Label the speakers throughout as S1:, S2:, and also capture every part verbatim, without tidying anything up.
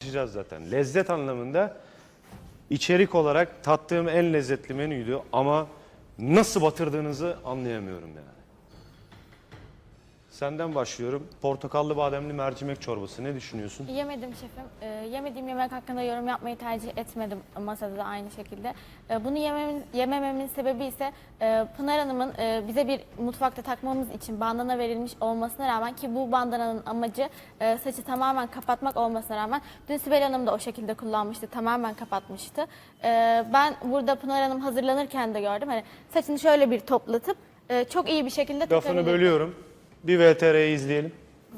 S1: tartışacağız zaten. Lezzet anlamında içerik olarak tattığım en lezzetli menüydü ama nasıl batırdığınızı anlayamıyorum yani. Senden başlıyorum. Portakallı bademli mercimek çorbası. Ne düşünüyorsun?
S2: Yemedim şefim. Ee, yemediğim yemek hakkında yorum yapmayı tercih etmedim, masada da aynı şekilde. Ee, bunu yememin, yemememin sebebi ise e, Pınar Hanım'ın e, bize bir mutfakta takmamız için bandana verilmiş olmasına rağmen, ki bu bandananın amacı e, saçı tamamen kapatmak olmasına rağmen, dün Sibel Hanım da o şekilde kullanmıştı, tamamen kapatmıştı. Ee, ben burada Pınar Hanım hazırlanırken de gördüm. Hani saçını şöyle bir toplatıp e, çok iyi bir şekilde
S1: Lafını
S2: takabilirdi.
S1: bölüyorum. Bir V T R'yi izleyelim.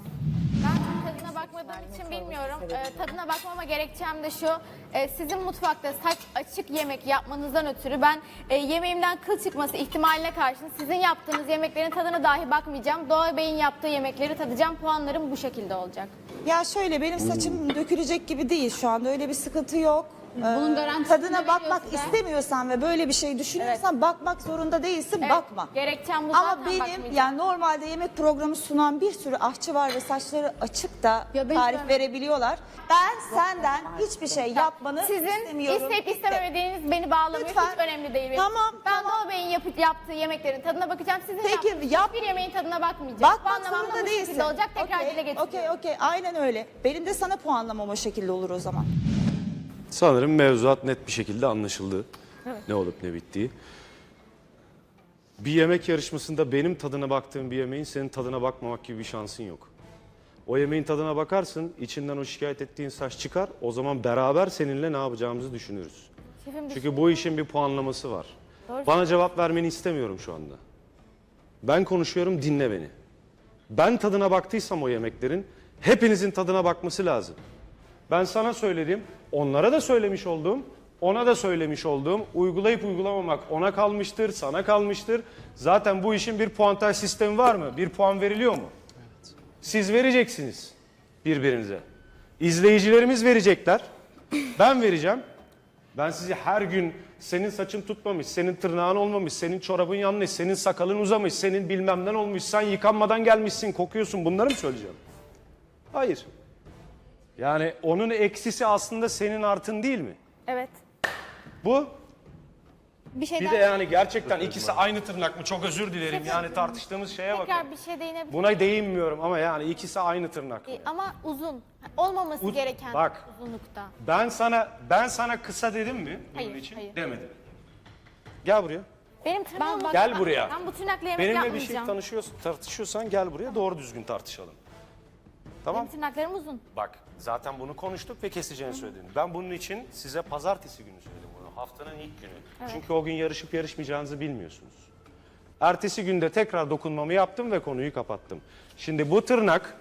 S2: Ben tadına bakmadığım için bilmiyorum. Ee, tadına bakmama gerekçem de şu. Ee, sizin mutfakta saç açık yemek yapmanızdan ötürü ben e, yemeğimden kıl çıkması ihtimaline karşın sizin yaptığınız yemeklerin tadına dahi bakmayacağım. Doğa Bey'in yaptığı yemekleri tadacağım. Puanlarım bu şekilde olacak.
S3: Ya şöyle, benim saçım dökülecek gibi değil şu anda, öyle bir sıkıntı yok.
S4: Bunun
S3: Ee,
S4: garantisini
S3: tadına
S4: veriyor
S3: bakmak
S4: size.
S3: istemiyorsan ve böyle bir şey düşünüyorsan bakmak zorunda değilsin,
S2: Evet,
S3: bakma.
S2: gerekçem bu,
S3: Ama
S2: zaten
S3: benim
S2: bakmayacağım.
S3: yani normalde yemek programı sunan bir sürü aşçı var ve saçları açık da
S4: Ya ben
S3: tarif
S4: sana-
S3: verebiliyorlar. Ben senden hiçbir şey yapmanı
S2: Sizin
S3: istemiyorum.
S2: isteyip istememediğiniz beni bağlamıyor.
S3: Lütfen.
S2: Hiç önemli değil. benim
S3: Tamam,
S2: Ben
S3: tamam.
S2: Doğa Bey'in yapıp, yaptığı yemeklerin tadına bakacağım. Sizin
S3: Peki,
S2: yaptığınız
S3: yap.
S2: hiçbir yemeğin tadına bakmayacağım.
S3: Bakmak
S2: Puanlamam da
S3: zorunda
S2: bu
S3: değilsin.
S2: şekilde olacak. Tekrar
S3: Okey,
S2: dile getiriyorum.
S3: Okey, okey, aynen öyle. Benim de sana puanlamam o şekilde olur o zaman.
S1: Sanırım mevzuat net bir şekilde anlaşıldı. Evet. Ne olup ne bittiği. Bir yemek yarışmasında benim tadına baktığım bir yemeğin senin tadına bakmamak gibi bir şansın yok. O yemeğin tadına bakarsın, içinden o şikayet ettiğin saç çıkar. O zaman beraber seninle ne yapacağımızı düşünürüz.
S2: Şefim,
S1: Çünkü bu işin bir puanlaması var.
S2: Doğru.
S1: Bana cevap vermeni istemiyorum şu anda. Ben konuşuyorum, dinle beni. Ben tadına baktıysam o yemeklerin, hepinizin tadına bakması lazım. Ben sana söyledim, onlara da söylemiş olduğum, ona da söylemiş olduğum, uygulayıp uygulamamak ona kalmıştır, sana kalmıştır. Zaten bu işin bir puantaj sistemi var mı? Bir puan veriliyor mu? Evet. Siz vereceksiniz birbirinize. İzleyicilerimiz verecekler. Ben vereceğim. Ben sizi her gün senin saçın tutmamış, senin tırnağın olmamış, senin çorabın yanlış, senin sakalın uzamış, senin bilmemden olmuş, sen yıkanmadan gelmişsin, kokuyorsun, bunları mı söyleyeceğim? Hayır. Yani onun eksisi aslında senin artın değil mi?
S2: Evet.
S1: Bu
S2: Bir şey
S1: bir
S2: daha...
S1: de yani gerçekten ikisi aynı tırnak mı? Çok özür dilerim yani tartıştığımız şeye bakın.
S2: Tekrar bir şey değinebilir
S1: Buna değinmiyorum ama yani ikisi aynı tırnak mı?
S2: E, Ama uzun. Olmaması
S1: Uz-
S2: gereken
S1: Bak.
S2: uzunlukta.
S1: Ben sana ben sana kısa dedim mi bunun
S2: Hayır,
S1: için?
S2: hayır.
S1: Demedim. Gel buraya.
S2: Benim tırnağım olmadan
S1: Gel
S2: ben-
S1: buraya.
S2: Ben bu tırnakla yemek
S1: Benimle bir
S2: yapmayacağım.
S1: şey tanışıyorsun, tartışıyorsan gel buraya doğru düzgün tartışalım. Tamam?
S2: Benim tırnaklarım uzun.
S1: Bak zaten bunu konuştuk ve keseceğini söyledim. Ben bunun için size pazartesi günü söyledim bunu. Haftanın ilk günü. Çünkü o gün yarışıp yarışmayacağınızı bilmiyorsunuz. Ertesi günde tekrar dokunmamı yaptım ve konuyu kapattım. Şimdi bu tırnak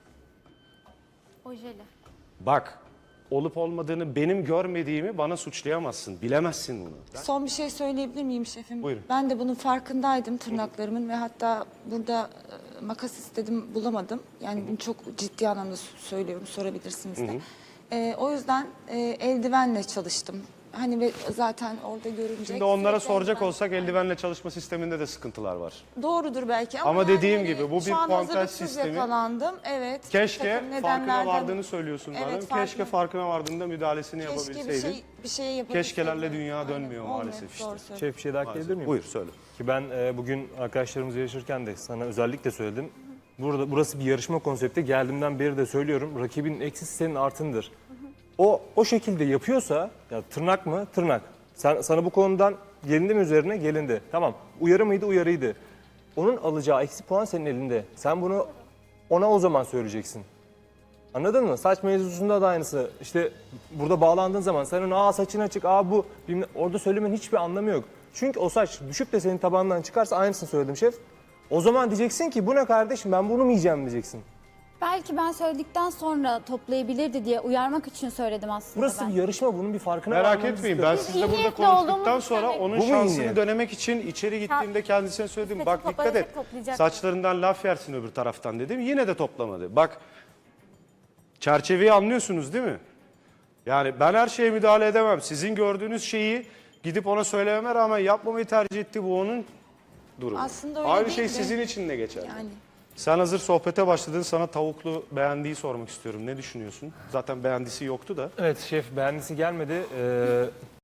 S2: Ojeli.
S1: bak olup olmadığını benim görmediğimi bana suçlayamazsın. Bilemezsin bunu.
S3: Son bir şey söyleyebilir miyim şefim?
S1: Buyurun.
S3: Ben de bunun farkındaydım, tırnaklarımın, ve hatta burada e, makas istedim, bulamadım. Yani bunu çok ciddi anlamda söylüyorum, sorabilirsiniz de. E, o yüzden e, eldivenle çalıştım. Hani ve zaten orada görünecek.
S1: Şimdi onlara
S3: sürekli
S1: soracak
S3: eldiven.
S1: olsak eldivenle çalışma sisteminde de sıkıntılar var.
S3: Doğrudur belki ama,
S1: Ama
S3: yani
S1: dediğim
S3: hani
S1: gibi bu
S3: şu
S1: bir
S3: an
S1: puantaj
S3: hazırlıksız
S1: sistemi.
S3: yakalandım. Evet.
S1: Keşke
S3: takım
S1: farkına
S3: nedenlerden-
S1: vardığını söylüyorsun
S3: Evet,
S1: bana.
S3: farkına-
S1: Keşke farkına vardığında müdahalesini
S3: Keşke bir
S1: yapabilseydin.
S3: şey bir şeye yapabilseydim.
S1: Keşkelerle dünya
S3: Aynen,
S1: dönmüyor
S3: olmuyor,
S1: maalesef işte.
S3: doğru söylüyorsun.
S5: Şef bir şey daha ekleyebilir miyim?
S1: Buyur söyle.
S5: Ki ben e, bugün arkadaşlarımızla yarışırken de sana özellikle söyledim. Burada burası bir yarışma konsepti. Geldiğimden beri de söylüyorum. Rakibin eksisi senin artındır. O o şekilde yapıyorsa ya tırnak mı? Tırnak. Sen sana bu konudan gelindi mi üzerine? Gelindi. Tamam. Uyarı mıydı? Uyarıydı. Onun alacağı eksi puan senin elinde. Sen bunu ona o zaman söyleyeceksin. Anladın mı? Saç mevzusunda da aynısı. İşte burada bağlandığın zaman sen ona aa saçın açık, aa bu bilmem, orada söylemenin hiçbir anlamı yok. Çünkü o saç düşüp de senin tabandan çıkarsa aynısını söyledim şef. O zaman diyeceksin ki bu ne kardeşim, ben bunu mu yiyeceğim diyeceksin.
S4: Belki ben söyledikten sonra toplayabilirdi diye uyarmak için söyledim aslında
S5: Burası
S4: ben.
S5: bir yarışma, bunun bir farkına
S1: Merak
S5: varmamız
S1: etmeyin
S5: lazım.
S1: ben
S2: Biz
S1: sizle
S2: iyi
S1: burada
S2: niyetli
S1: konuştuktan
S2: olduğumuzu
S1: sonra
S2: söyledik.
S1: onun
S5: Bu mu iyi
S1: şansını
S5: niyet?
S1: denemek için içeri gittiğimde kendisine söyledim.
S2: Saçı
S1: Bak dikkat
S2: toplayacak,
S1: et
S2: toplayacak.
S1: saçlarından laf yersin öbür taraftan dedim. Yine de toplamadı. Bak çerçeveyi anlıyorsunuz değil mi? Yani ben her şeye müdahale edemem. Sizin gördüğünüz şeyi gidip ona söylememe rağmen yapmamayı tercih etti. Bu onun durumu.
S3: Aslında öyle
S1: Aynı
S3: değil
S1: şey
S3: de-
S1: sizin için de geçerli.
S3: Yani
S1: Sen hazır sohbete başladın, sana tavuklu beğendiği sormak istiyorum. Ne düşünüyorsun? Zaten beğendisi yoktu da.
S5: Evet şef, beğendisi gelmedi. Ee,